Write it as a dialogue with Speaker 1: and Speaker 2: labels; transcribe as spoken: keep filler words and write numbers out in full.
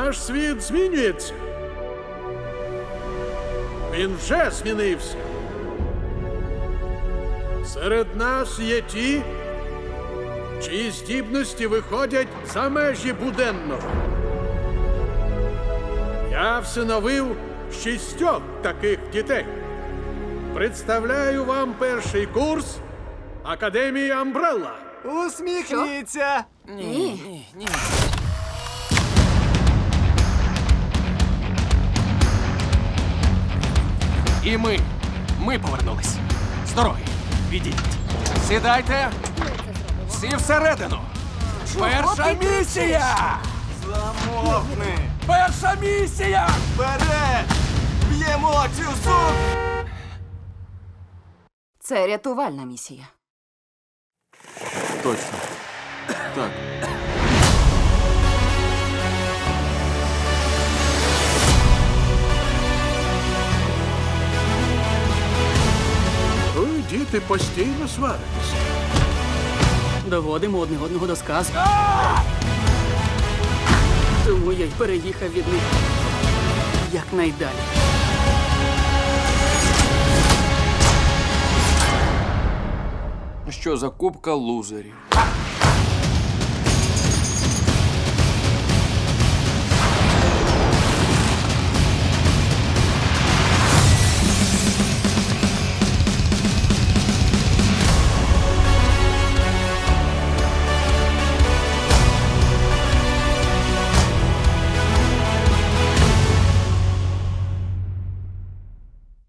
Speaker 1: Наш світ змінюється. Він вже змінився. Серед нас є ті, чиї здібності виходять за межі буденного. Я всиновив шістьох таких дітей. Представляю вам перший курс Академії Амбрелла.
Speaker 2: Усміхніться!
Speaker 3: Ні. Ні.
Speaker 4: І ми. Ми повернулись. З дороги. Відійдіть. Сідайте. Всі всередину. Перша місія!
Speaker 2: Замовкни!
Speaker 4: Перша місія!
Speaker 2: Вперед! Б'ємо цю суп!
Speaker 3: Це рятувальна місія.
Speaker 5: Точно. Так.
Speaker 1: Ви, діти, постійно сваритеся.
Speaker 6: Доводимо одне одного до сказу. Тому я й переїхав від них якнайдалі.
Speaker 5: Що за купка лузерів?